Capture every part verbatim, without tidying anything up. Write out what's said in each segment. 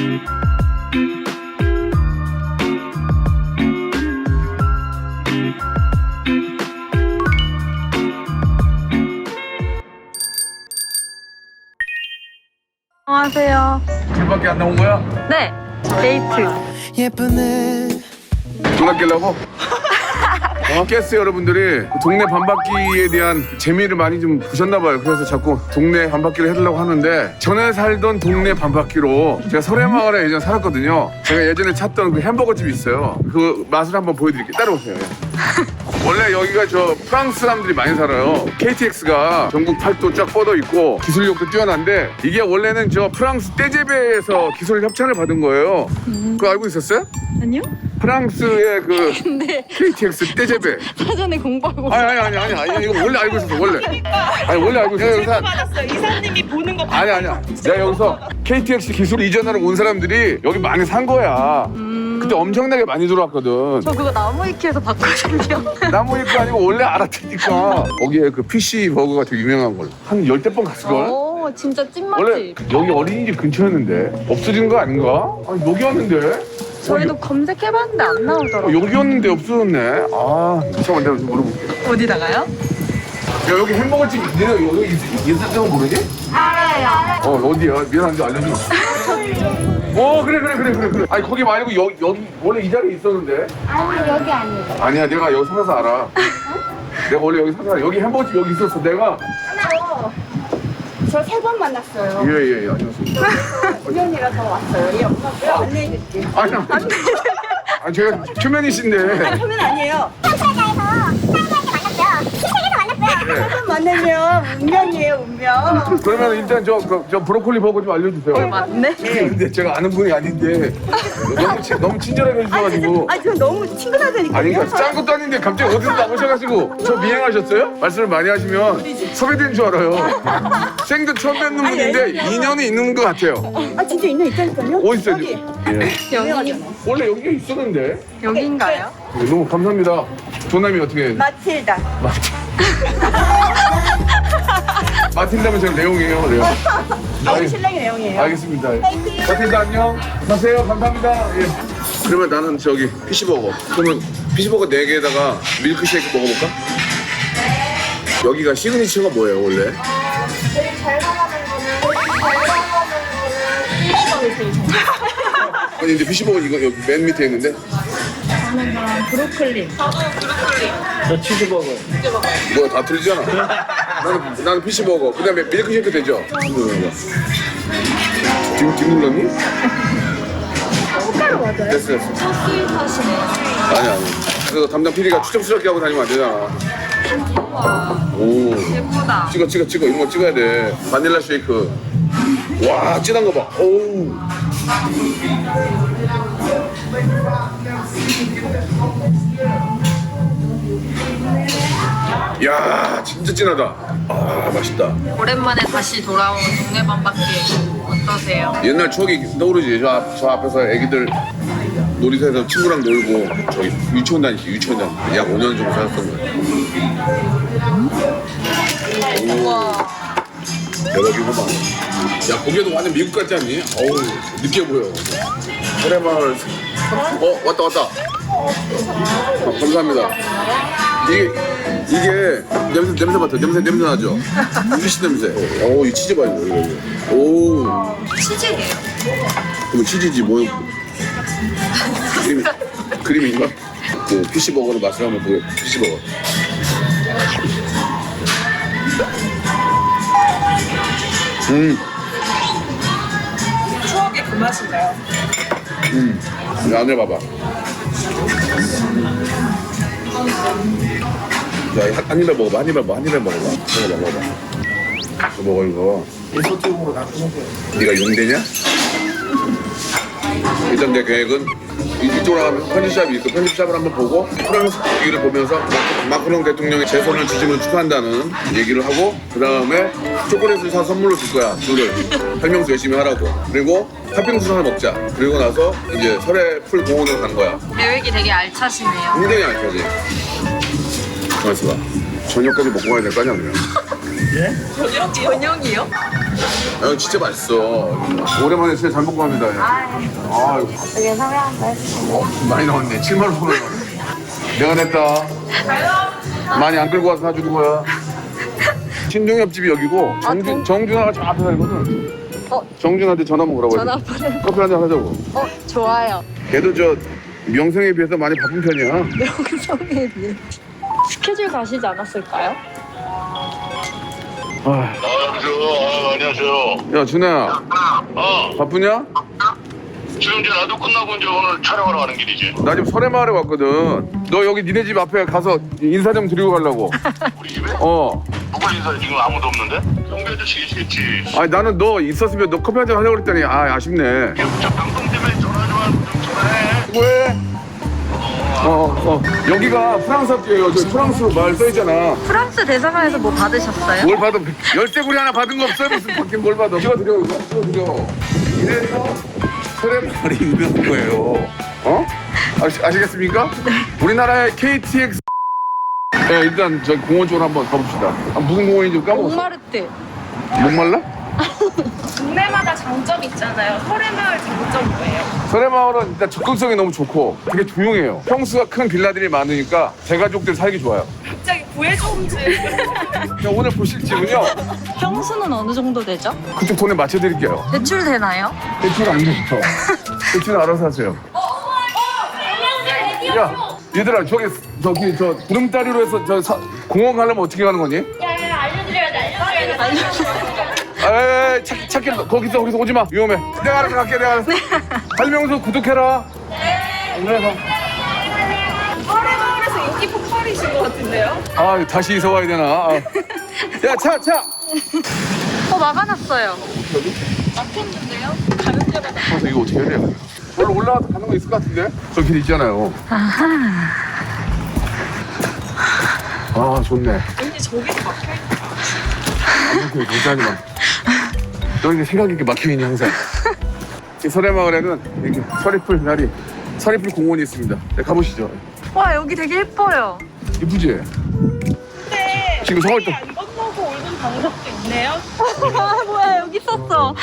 안녕하세요. 집밖에 안 나온 거야? 네, 데이트. 예쁘네. 전화 끼려고? 어? 깼어요 여러분들이 동네 반바퀴에 대한 재미를 많이 좀 보셨나 봐요. 그래서 자꾸 동네 반바퀴를 해달라고 하는데 전에 살던 동네 반바퀴로 제가 설해마을에 예전에 살았거든요. 제가 예전에 찾던 그 햄버거 집이 있어요. 그 맛을 한번 보여드릴게요. 따라오세요. 원래 여기가 저 프랑스 사람들이 많이 살아요. 케이티엑스가 전국 팔도 쫙 뻗어 있고 기술력도 뛰어난데 이게 원래는 저 프랑스 떼제베에서 기술 협찬을 받은 거예요. 그거 알고 있었어요? 아니요? 프랑스의 그 근데 케이티엑스 떼제베. 사전에 공부하고. 아니 아니 아니 아니 아니 이거 원래 알고 있었어 원래. 아니 원래 알고 있었어. 여기서 받았어요. 이사님이 보는 거 아니 아니야. 내가 여기서 케이티엑스 기술 이전하러 온 사람들이 여기 많이 산 거야. 그때 엄청나게 많이 들어왔거든. 저 그거 나무위키에서 봤거든요. 나무 입고 아니고 원래 알았으니까. 거기에 그 피씨 버거가 되게 유명한 걸로. 한 열댓 번 갔을걸? 오, 진짜 원래 찐맛집. 여기 어린이집 근처였는데 없어진 거 아닌가? 아니 여기였는데? 저희도 검색해봤는데 안 어, 나오더라고요. 여기였는데 없어졌네. 아 잠깐만 내가 좀 물어볼게. 어디다가요? 야 여기 햄버거집 니네 여기 있었던 거 모르니? 알아요. 어 어디야? 미안한데 알려줘. 어 그래 그래 그래 그래 그래. 아니 거기 말고 여기 여기 원래 이 자리에 있었는데. 아니 여기 아니에요. 아니야 내가 여기 살아서 알아. 내가 원래 여기 살아서 알아. 여기 햄버거집 여기 있었어 내가. 저 세 번 만났어요. 예예예 안녕하세요. 우연이라서 왔어요. 예, 엄마 왜 안내해줄게. 아니 아니. 아니 제가 초면이신데. 처음엔 아니에요. 프라자에서 사람들한테 만났어요. 시댁에서 만났어요. 세 번 만나면 운명이에요, 운명. 그러면 일단 저, 그, 저 브로콜리 버거 좀 알려주세요. 맞네. 근데 제가 아는 분이 아닌데 너무, 친- 너무 친절하게 해주셔가지고. 아, 저 너무 친근하다니까요. 아니 그러니까 짠 것도 아닌데 갑자기 어디서 나오셔가지고 저 미행하셨어요? 말씀을 많이 하시면 섭외된 줄 알아요. 생전 처음 뵙는 분인데 인연이 있는 것 같아요. 아, 진짜 있는 있다니까요? 어디 있어요? 여기. 예. 여기, 원래 여기가 있었는데. 여기인가요? 네, 너무 감사합니다. 조남이 어떻게 해요? 마틸다. 마틴다면 제가 레옹이에요, 레옹. 아, 우리 신랑이 내용이에요. 알겠습니다. 마틴다 안녕. 가세요. 감사합니다. 예. 그러면 나는 저기 피시버거. 그러면 피시버거 네 개에다가 밀크쉐이크 먹어볼까? 여기가 시그니처가 뭐예요, 원래? 제일 잘 나가는 거는, 잘 나가는 거는 일시방이 제일 잘 아니 근데 피시버거 이거 여기 맨 밑에 있는데 저는 그럼 브로콜리. 저 치즈버거. 뭐야 다 틀리잖아. 나는 나는 피시버거. 그다음에 밀크쉐이크 되죠? 지금 지금 눌렀니? 숟가락 맞아요? 됐어 됐어. 아니 아니. 그래서 담당 피디가 추적스럽게 하고 다니면 안 되잖아. 오. 예쁘다. 찍어 찍어 찍어 이런 거 찍어야 돼. 바닐라 쉐이크. 와 진한 거 봐. 오우. 야 진짜 진하다. 아 맛있다. 오랜만에 다시 돌아온 동네 반바퀴 어떠세요? 옛날 추억이 떠오르지. 저, 앞, 저 앞에서 애기들 놀이터에서 친구랑 놀고 저기 유치원 다니지 유치원 다니지. 약 오 년 정도 살았던 거야. 오. 대박이구만. 야 고개도 완전 미국 같지 않니? 어우 느끼해 보여. 설해마을. 어 왔다 왔다. 어, 감사합니다. 이게 이게 냄새 냄새 맡아 냄새 냄새 나죠? 피시 냄새. 오 이 치즈 봐 이거 이거. 오. 치즈예요. 그럼 치즈지 뭐? 그림 그림인가? 그 피시 버거로 맛을 한번 보여. 피시 버거. 음. 추억의 그 맛인가요? 음. 안에 봐봐. 자, 한 입에 먹어봐. 한 입에 먹어. 한 입에 먹어봐. 먹어봐, 먹어봐. 이거 먹어 이거. 소쪽으로 다 끊어줘요. 네가 용되냐? 일단 내 계획은 이- 이쪽으로 가면 편집샵이 있고 편집샵을 한번 보고 프랑스 얘기를 보면서 마크- 마크롱 대통령의 재선을 지지을 축하한다는 얘기를 하고 그 다음에 초콜릿을 사 선물로 줄 거야 둘을 설명서 열심히 하라고 그리고 팥빙수 하나 먹자 그리고 나서 이제 설해 풀 공원으로 가는 거야. 계획이 되게 알차시네요. 굉장히 안 펴지. 가만있어 봐. 저녁까지 먹고 가야 될 거 아니야 그냥. 예? 저녁이요? 아, 진짜 맛있어. 오랜만에 진짜 잘 먹고 갑니다. 아, 이거 되게 서양 맛있어. 어, 많이 나왔네. 칠만 원 나왔네. 내가 냈다. 많이 안 끌고 와서 사주는 거야. 신종 옆집이 여기고 정준, 정준하가 저 앞에 살거든. 어? 정준한테 전화 한번 오라고 전화 해줘. 한번 커피 한잔 하자고. 어, 좋아요. 걔도 저 명성에 비해서 많이 바쁜 편이야. 명성에 비해. 스케줄 가시지 않았을까요? 아, 아, 여보세요. 아, 안녕하세요. 야 준아야, 어, 바쁘냐? 지금 이제 나도 끝나고 이제 오늘 촬영하러 가는 길이지. 나 지금 설해마을에 왔거든. 너 여기 니네 집 앞에 가서 인사 좀 드리고 가려고. 우리 집에? 어. 누가 인사해? 지금 아무도 없는데? 경비 아저씨 계시겠지. 아니 나는 너 있었으면 너 커피 한잔 하려고 그랬더니 아 아쉽네. 저 방송 때문에 전화 좀 하고 좀 전화해. 왜? 어, 어. 여기가 프랑스 학교예요. 저 프랑스 말 써있잖아. 프랑스 대사관에서 뭐 받으셨어요? 뭘 받아? 열쇠고리 하나 받은 거 없어요? 무슨 받긴 뭘 받아? 찍어드려, 이거 찍어드려. 이래서 설해마을이 유명한 거예요. 어? 아시, 아시겠습니까? 우리나라의 케이티엑스. 네, 일단 저기 공원 쪽으로 한번 가봅시다. 아, 무슨 공원인지 까먹었어. 몽마르트. 목말라? 동네마다 장점이 있잖아요. 설해마을 장점 뭐예요? 설해마을은 일단 접근성이 너무 좋고 되게 조용해요. 평수가 큰 빌라들이 많으니까 대가족들 살기 좋아요. 갑자기 구해줘 홈즈. 그냥 오늘 보실 집은요. 평수는 어느 정도 되죠? 그쪽 돈에 맞춰드릴게요. 대출 되나요? 대출 안 되죠. 대출 알아서 하세요. 야, 얘들아 저기 저기 저 구름다리로 해서 저 사, 공원 가려면 어떻게 가는 거니? 에이 찾, 찾길 거기서 거기서 오지 마. 위험해. 내가 알아서 갈게. 내가 알아서. 설명서 구독해라. 네. 설해마을에서 인기 폭발이신 것 같은데요? 아 다시 이사 와야 되나? 아. 야 차 차. 어, 막아놨어요. 막혔는데요? 가는 데마다. 아, 이거 어떻게 해야 돼? 원래 올라가서 가는 거 있을 것 같은데? 저 길 있잖아요. 아하. 아 좋네. 왠지 저기도 막혀있는 이렇게 괜찮지 마. 너 이제 생각 있게 막혀있니 항상. 이 설해마을에는 이렇게 서리풀 날이 서리풀 공원이 있습니다. 네, 가보시죠. 와, 여기 되게 예뻐요. 이쁘지? 근데 지금 서울 또- 안 건너고 오는 방법도 있네요? 아, 뭐야, 여기 있었어.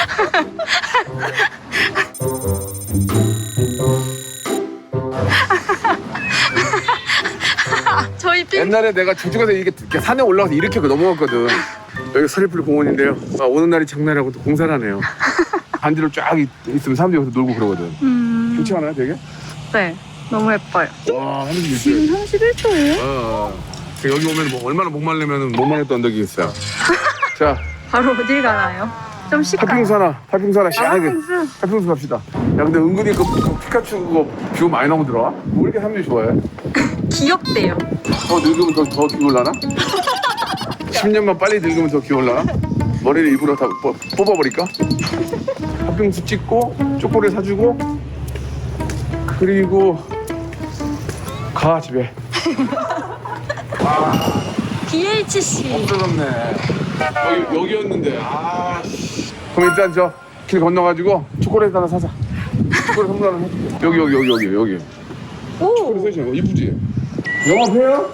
저희 핑 옛날에 내가 저쪽에서 이렇게, 이렇게 산에 올라가서 이렇게 넘어갔거든. 여기 서리풀 공원인데요. 아, 오는 날이 장날이라고 또 공사를 하네요. 반지로 쫙 있, 있으면 사람들이 여기서 놀고 그러거든. 음, 좋지 않아요 되게? 네, 너무 예뻐요. 와 하늘이 지금 있어요. 삼십일 도예요? 어, 어. 여기 오면 뭐 얼마나 목말르면 목말랐던 언덕이 있어요. 자, 바로 어딜 가나요? 좀 시까요? 파핑수 하나, 파핑수 하나 시원하게. 파핑수? 파핑수 갑시다. 야 근데 은근히 그, 그 피카츄 그거 뷰 많이 나오더라. 뭐 이렇게 사람들이 좋아해? 귀엽대요. 더 늙으면 더, 더 귀여울라나? 십 년만 빨리 늙으면 더 귀여울라나? 머리를 일부러 다 뽑, 뽑아버릴까? 팥빙수 찍고 초콜릿 사주고 그리고 가 집에. 디에이치씨. 없어졌네. 여기, 여기였는데 아 그럼 일단 저 길 건너가지고 초콜릿 하나 사자. 초콜릿 선물 하나 해줄게. 여기 여기 여기 여기 여기 초콜릿 오, 써있잖아. 이쁘지? 영업해요?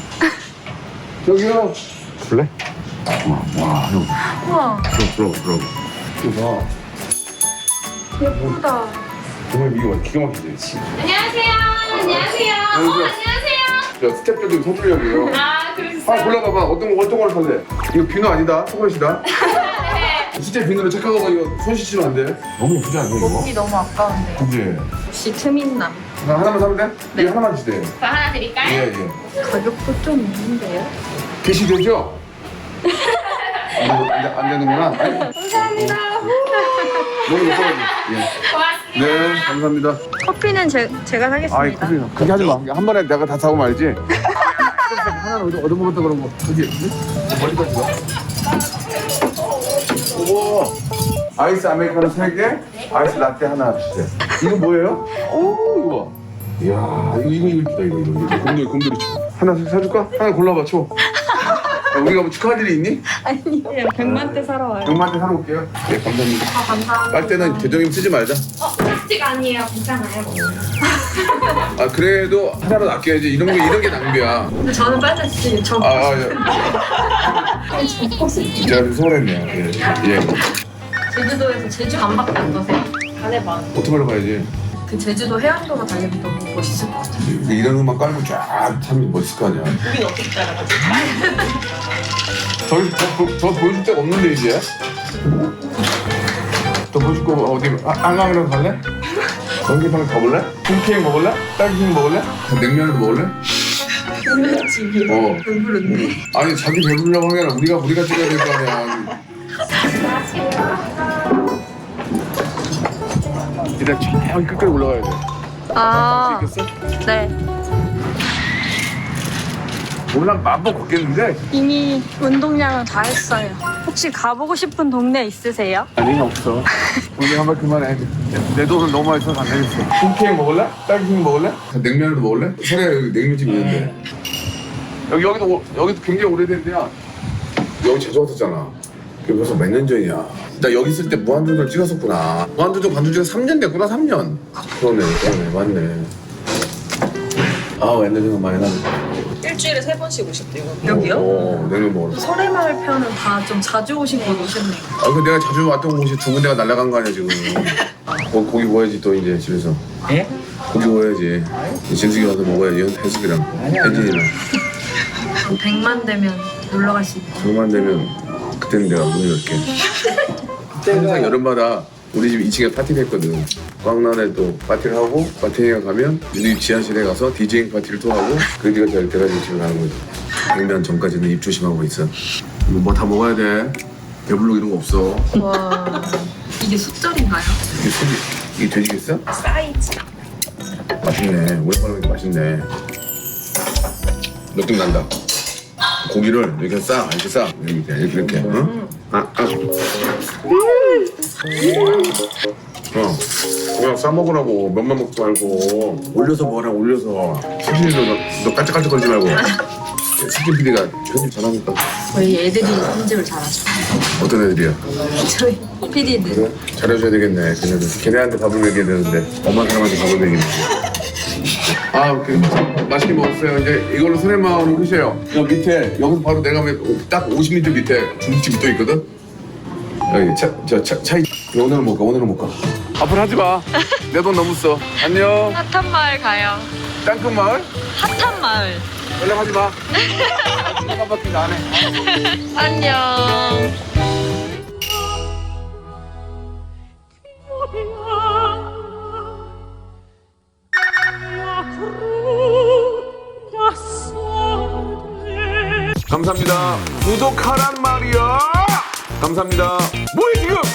저기요. 볼래? 와, 와, 형. 우와, 들어, 들어, 들어. 이거 봐. 예쁘다. 정말 이거 기가 막히지? 안녕하세요. 안녕하세요. 어, 안녕하세요. 안녕하세요. 저 스텝들 좀 서주려고요. 아, 그러셨어요? 아, 골라봐봐. 어떤 거, 어떤 걸 살래? 이거 비누 아니다. 초콜릿이다. 수제 비누로 착각하고 이거 손 씻으면 안 돼. 너무 예쁘지 않냐, 이거? 먹기 너무 아까운데. 그지? 역시 트민남. 나 하나만 사면 돼? 네. 이거 하나만 주세요. 저 하나 드릴까요? 예, 예. 가격도 좀 있는데요? 게시되죠? 안, 되, 안, 되, 안 되는구나. 감사합니다. 너무 예뻐가지고. 예. 고맙습니다. 네, 감사합니다. 커피는 제, 제가 사겠습니다. 아이 커피 그렇게 하지 마. 한 번에 내가 다 사고 말지. 하나는 얻어 얻어먹었다 그런 거. 그지? 머리까지 가. 오고 아이스 아메리카노 세 개, 아이스 라떼 하나 주세요. 이거 뭐예요? 오 이거 봐. 이야 이거 이거 이거 이쁘다 이거 이거 이거 곰돌이 곰돌이 초. 하나 사줄까? 하나 골라봐 초. 우리가 뭐 축하할 일이 있니? 그냥 백만 대 사러 와요. 병마한테 사러 올게요. 네, 감사합니다. 아, 감사합니다. 빨대는 대정임 쓰지 말자. 어, 플라스틱 아니에요. 괜찮아요. 아, 그래도 하나로 아껴야지. 이런 게, 이런 게 낭비야. 근데 저는 빨대 쓰지. 저 아, 아, 예. 제가 좀 소홀했네요. 예. 예. 제주도에서 제주 반바퀴 어떠세요? 잘해봐. 오토바이로 가야지. 그 제주도 해안도로 달리면 너무 멋있을 것 같아요. 이런 음악 깔고 쫙 타면 멋있을 거 아니야. 우린 어떻게 따라가지? 저희 저, 보- 저 보여줄 데가 없는데 이제. 또 보여줄 거 어디 아, 한강이라도 갈래? 전기탕 가볼래? 콩케이크 먹을래? 딸기케이크 먹을래? 냉면도 먹을래? 집이요. 어. 배부른데. 아니 자기 배부르려고 하는 게 아니라 우리가 우리가 찍어야 될 거 아니야. 일단 저기 끝까지 올라가야 돼. 아, 할수 있겠어? 네. 올라 마음껏 걷겠는데? 이미 운동량은 다 했어요. 혹시 가보고 싶은 동네 있으세요? 아니 없어. 오늘 한번 그만해. 내 돈은 너무 많이 써서 안 되겠어. 콩케이크 먹을래? 딸기케이크 먹을래? 냉면도 먹을래? 서래 여기 냉면집 있는데. 여기 여기도 오- 여기도 굉장히 오래된 데야. 여기 자주 왔었잖아. 그게 벌써 몇 년 전이야. 나 여기 있을 때 무한도전 찍었었구나. 무한도전 관중 지가 삼 년 됐구나. 삼 년. 그러네, 그러네, 맞네. 아, 옛날 생각 많이 나네. 일주일에 세 번씩 오셨대요. 여기요? 어, 냉면 먹으러. 설해마을 편은 다 좀 자주 오신 곳 오셨네요. 아, 그 내가 자주 왔던 곳이 두 군데가 날아간 거 아니야 지금. 고, 고기 구워야지 또 이제 집에서. 예? 고기 구워야지. 진숙이 와서 먹어야지. 혜숙이랑 혜진이랑. 백만 되면 놀러 갈 수 있고. 조금만 되면 그때는 내가 문을 열게. 항상 여름마다 우리 집 이 층에 파티를 했거든. 광란에 또 파티를 하고 파티에 가면 우리 집 지하실에 가서 디제잉 파티를 또 하고 그 뒤가 제일 돼가지고 집에 가는 거지. 백년 전까지는 입 조심하고 있어. 뭐 다 먹어야 돼. 배불러 이런 거 없어. 와, 이게 숫절인가요? 이게 소리, 이게 돼지겠어? 사이즈. 맛있네. 오랜만에 먹으니까 맛있네. 느낌 난다. 고기를 이렇게 싸, 이렇게 싸. 이렇게, 이렇게, 이렇게. 응? 아, 아. 어, 그냥 싸 먹으라고. 면만 먹지 말고. 올려서 먹어라, 올려서. 수진이도 너, 너 깔짝깔짝거리지 말고. 수진 피디가 편집 잘하니까. 저희 애들이 편집을 잘하죠. 어떤 애들이야? 저희 피디들. 그래? 잘해줘야 되겠네. 걔네들. 걔네한테 밥을 먹여야 되는데 엄마 사람한테 밥을 먹이네. 아, 오케이. 맛있게 먹었어요. 이제 이걸로 설해마을을 끝이에요. 여기 밑에 여기서 바로 내려가면 딱 오십 미터 밑에 중국집이 또 있거든. 여기 차, 저 차, 차 오늘은 못 가. 오늘은 못 가. 앞으로 하지 마. 내 돈 너무 써. 안녕. 핫한 마을 가요. 땅끝 마을? 핫한 마을. 연락하지 마. 한 바퀴 안 해. 안녕. 감사합니다. 구독하란 말이야. 감사합니다. 뭐해 지금?